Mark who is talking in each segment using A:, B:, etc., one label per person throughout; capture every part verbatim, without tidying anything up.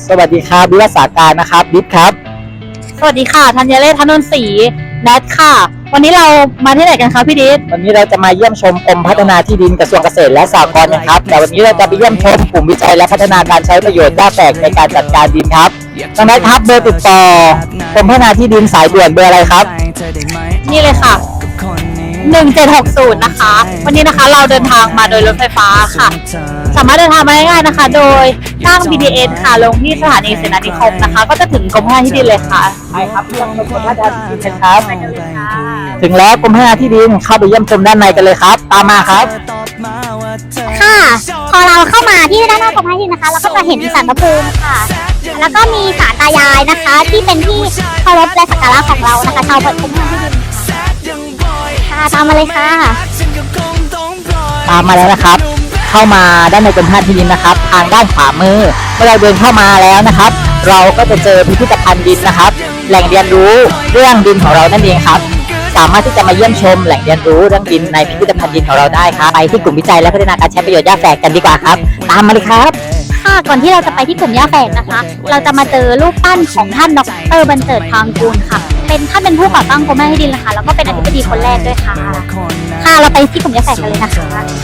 A: สวัสดีครับวิวัฒนาการนะครับบิ๊กครับ
B: สวัสดีค่ะธัญเรศ ธนนศรีแนทค่ะวันนี้เรามาที่ไหนกันคะพี่ดิษ
A: วันนี้เราจะมาเยี่ยมชมกรมพัฒนาที่ดินกระทรวงเกษตรและสหกรณ์นะครับแต่วันนี้เราจะไปเยี่ยมชมกลุ่มวิจัยและพัฒนาการใช้ประโยชน์หญ้าแฝกในการจัดการดินครับน้องแนทครับเบอร์ติดต่อกรมพัฒนาที่ดินสายด่วนเบอร์อะไรครับ
B: นี่เลยค่ะหนึ่งเจ็ดหกศูนย์นะคะวันนี้นะคะเราเดินทางมาโดยรถไฟฟ้าค่ะสามารถเดินทางมาได้ง่ายนะคะโดยนั่ง บี ที เอส ค่ะลงที่สถานีเสนานิคมนะคะก็จะถึงกรมพัฒนาที่ดินเลยค่ะ
A: ใช่ครับเยี่ยมชมกรมพัฒนาที่ดินครับถึงแล้วกรมพัฒนาที่ดินเข้าไปเยี่ยมชมด้านในกันเลยครับตามมาครับ
C: ค่ะพอเราเข้ามาที่ด้านหน้ากรมพัฒนาที่ดินนะคะเราก็จะเห็นศาลพระภูมิค่ะแล้วก็มีศาลตายายนะคะที่เป็นที่เคารพและสักการะของเรานะคะชาวกรมพัฒนาที่ดินค่ะตามมาเลยค่ะ
A: ตามมาแล้วนะครับเข้ามาด้านในกรมพัฒนาที่ดินนะครับทางด้านขวามือเมื่อเราเดินเข้ามาแล้วนะครับเราก็จะเจอพิพิธภัณฑ์ดินนะครับแหล่งเรียนรู้เรื่องดินของเรานั่นเองครับสามารถที่จะมาเยี่ยมชมแหล่งเรียนรู้เรื่องดินในพิพิธภัณฑ์ดินของเราได้ครับไปที่กลุ่มวิจัยและพัฒนาการใช้ประโยชน์หญ้าแฝกกันดีกว่าครับตามมาเลยครับ
C: ค่ะก่อนที่เราจะไปที่กลุ่มหญ้าแฝกนะคะเราจะมาเจอรูปปั้นของท่านดร.บรรเจิดพางกูลค่ะเป็นท่านเป็นผู้ก่อตั้งกรมพัฒนาที่ดินนะคะแล้วก็เป็นอธิบดีคนแรกด้วยค่ะค่ะเราไปที่กลุ่มหญ้าแฝกกันเลยนะคะ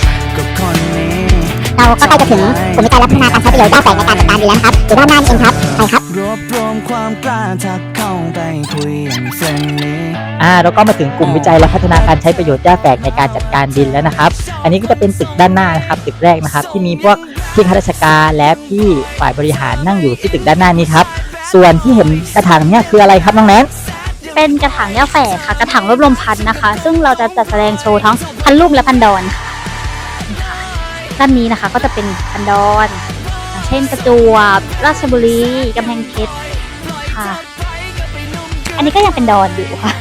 C: เราก็ใกล้จะถึงกลุ่มวิจัยและพัฒนาการใช้ประโยชน์หญ้าแฝกในการจัดการดินแล้วครับอยู่ด้านหน้านี่เองครับไปครับ
D: รวบรวมความกล้าทักเข้าไปคุยอย่างเฟรนลี่
A: อ่าเราก็มาถึงกลุ่มวิจัยและพัฒนาการใช้ประโยชน์หญ้าแฝกในการจัดการดินแล้วนะครับอันนี้ก็จะเป็นตึกด้านหน้านะครับตึกแรกนะครับที่มีพวกพี่ข้าราชการและพี่ฝ่ายบริหารนั่งอยู่ที่ตึกด้านหน้านี้ครับส่วนที่เห็นกระถางเนี่ยคืออะไรครับน้องแนน
B: เป็นกระถางหญ้าแฝกค่ะกระถางรวบรวมพันธุ์นะคะซึ่งเราจะจัดแสดงโชว์ทั้งพันธุ์ลูกและพันธุ์ดอนค่ะด้านนี้นะคะก็จะเป็นพันธุ์ดอนเช่นประจวบราชบุรีกำแพงเพชรค่ะอันนี้ก็ยังเป็นดอนอยู่ค่ะ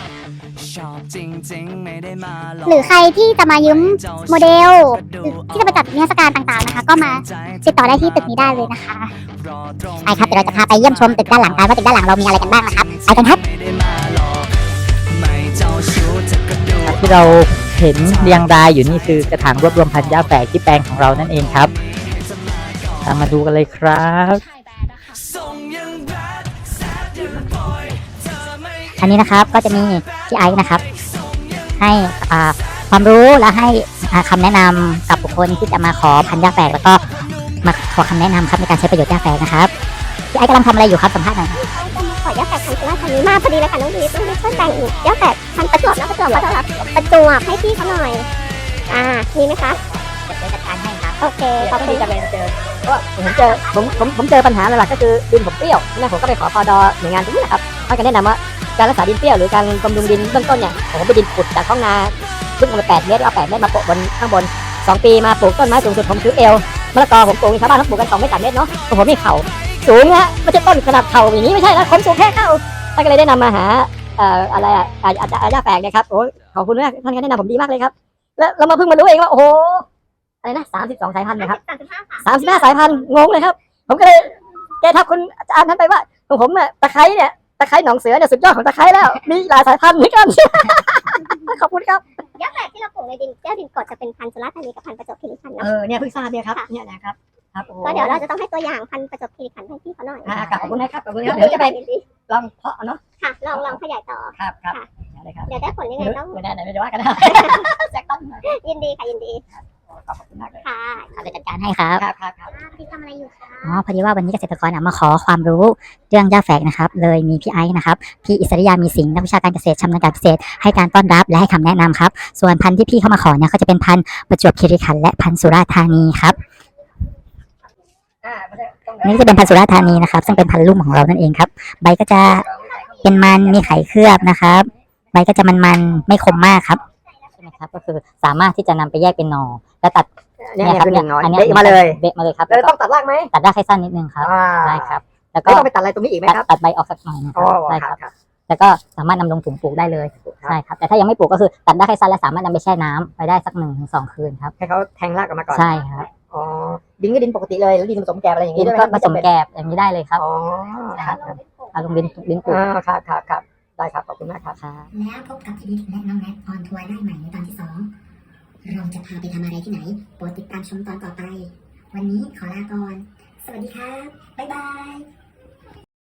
C: หรือใครที่จะมายืมโมเดลที่จะมาจัดนิทรรศการต่างๆนะคะก็มาติดต่อได้ที่ตึกนี้ได้เลยนะคะใช่ครับเดี๋ยวเราจะพาไปเยี่ยมชมตึกด้านหลังกันว่าตึกด้านหลังเรามีอะไรกันบ้างนะครับไปกันครับ
A: ที่เราเห็นเรียงรายอยู่นี่คือกระถางรวบรวมพันธุ์หญ้าแฝกที่แปลงของเรานั่นเองครับตามมาดูกันเลยครับ
C: อันนี้นะครับก็จะมีพี่ไอซ์นะครับให้ความรู้และให้คำแนะนำกับบุคคลที่จะมาขอพันธุ์หญ้าแฝกแล้วก็มาขอคำแนะนำครับในการใช้ประโยชน์หญ้าแฝกนะครับพี่ไอซ์กำลังทำอะไรอยู่ครับสัมภาษณ์หน่อย
E: ขอหญ้าแฝกพันธุ์สุราษฎร์ธานีมาพอดีเลยค่ะน้องดีต้องช่วยแต่งหญ้าแฝกพันธุ์ประจวบนะประจวบขอโทษครับประจวบให้พี่เขาหน่อยอ่ามีไหมคะ
C: จะจัดการให้ครับ
E: โอเคขอบคุณ
F: จะไปเจอก็ผมเจอผมผมผมเจอปัญหาหลักๆก็คือดินผมเปรี้ยวนี่ผมก็ไปขอพอดอหน่วยงานตรงนี้นะครับเขาจะแนะนำว่าการรักษาดินเปรี้ยวหรือการบำรุงดินเบื้องต้นเนี่ยผมไปดินขุดจากท้องนาลึกลงไปแปดเมตรเอาแปดเมตรมาโปะบนข้างบนสองปีมาปลูกต้นไม้สูงสุดผมถือเอวมะละกอผมปลูกชาวบ้านเขาปลูกกันสองเมตรสามเมตรเนาะผมมีเข่าสูงนะไม่ใช่ต้นขนาดเข่าอย่างนี้ไม่ใช่นะคนสูงแค่เข่าท่านก็เลยได้นำมาหาเอ่ออะไรอ่ะอาจจะหญ้าแฝกนะครับโอ้ขอบคุณมากท่านก็แนะนำผมดีมากเลยครับแล้วเรามาเพิ่งมารู้เองว่าโอ้โหอะไรนะสามสิบสองสายพันธุ์นะครับสามสิบห้าสามสิบห้าสายพันธุ์งงเลยครับผมก็เลยแกทักคุณอาจารย์นั้นไปว่าของผมเนี่ยตะไคร้เนี่ยตะไคร้หนองเสือเนี่ยสุดยอดของตะไคร้แล้วมีหลายสายพันธุ์เหมือนกันขอบคุณครับ
E: หญ้าแฝกที่เราปลูกในดินแก้วดินกรดจะเป็นพันธุ์สุราษฎร์ธานีกับพันธุ์ประจวบคีรีขันธ์เนาะ
F: เออเนี่ยเพิ่งทราบเนี่ยครับเนี่ยนะครับครับ
E: ก็เดี๋ยวเราจะต้องให้ตัวอย่างพันธุ์ประจวบคีรีขันธ์ให้พี่เขาหน่อย
F: อ่าขอบคุณนะครับขอบคุณครับเดี๋ยวจะไปลองเพาะเนาะ
E: ค่ะลองลองขยายต่อ
F: ครับครับ
E: เดี๋ยวได้ผลยังไงต้อง
F: ไม่ได้ไหนไม่ได้ว่ากันนะแจ็คต้น
E: ยินดีค่ะยินดี
F: ขอบคุณมากเลย
E: ค่ะ
C: เราจะจัดการให้ครับ
F: ครับครับครับ
E: พี่ทำอะไรอยู่คะ
C: อ๋อพอดีว่าวันนี้เกษตรกรมาขอความรู้เรื่องหญ้าแฝกนะครับเลยมีพี่ไอซ์นะครับพี่อิสริยามีสิงห์นักวิชาการเกษตรชำนาญการเกษตรให้การต้อนรับและให้คำแนะนำครับส่วนพันธุ์ที่พี่เข้ามาขอเนี่ยก็จะเป็นพันธุ์ประจวบคีรีขันธ์และพันธุ์สุราษฎร์ธานีครับนี่จะเป็นพันธุ์สุราษฎร์ธานีนะครับซึ่งเป็นพันธุ์ลุ่มของเรานั่นเองครับใบก็จะเป็นมันมีไข่เคลือบนะครับใบก็จะมันๆไม่คมมากครับใช่ไหมครับก็คือสามารถที่จะนำไปแยกเป็นหน่อแล้วตัด
F: เนี่ยครับเนี่ย
C: อันนี้
F: เบะมาเลย
C: เบะมาเลยครับ
F: แล้วต้องตัดรากไหม
C: ตัดรากให้สั้นนิดนึงครับได้ครับแล้วก็
F: ต้องไปตัดอะไรตรงนี้อีกไหมครับ
C: ตัดใบออกสักหน่อยนะครับได้ครับแล้วก็สามารถนำลงถุงปลูกได้เลยใช่ครับแต่ถ้ายังไม่ปลูกก็คือตัดได้แค่สั้นและสามารถนำไปแช่น้ำไปได้สักหนึ่งถึงสองคืนครับ
F: ให้เขาแทงรากออกมาก่อน
C: ใช่ครับ
F: อ๋อดินก็ดินปกติเลยหรือดินผสมแกบอะไรอย่างนี้
C: ก็ผสมแกบอย่างนี้ได้เลยครับ
F: อ๋อ
C: ครับเอาลงดินดินปลูก
F: ครับครับครับได้ครับขอบคุณมากครับ
C: แล้วพบกับพี่ดิษและน้องแนทออนทัวร์ได้ใหม่ในตอนที่สองเราจะพาไปทำอะไรที่ไหนโปรดติดตามชมตอนต่อไปวันนี้ขอลาก่อนส
E: สวัสดีครับ บ๊ายบาย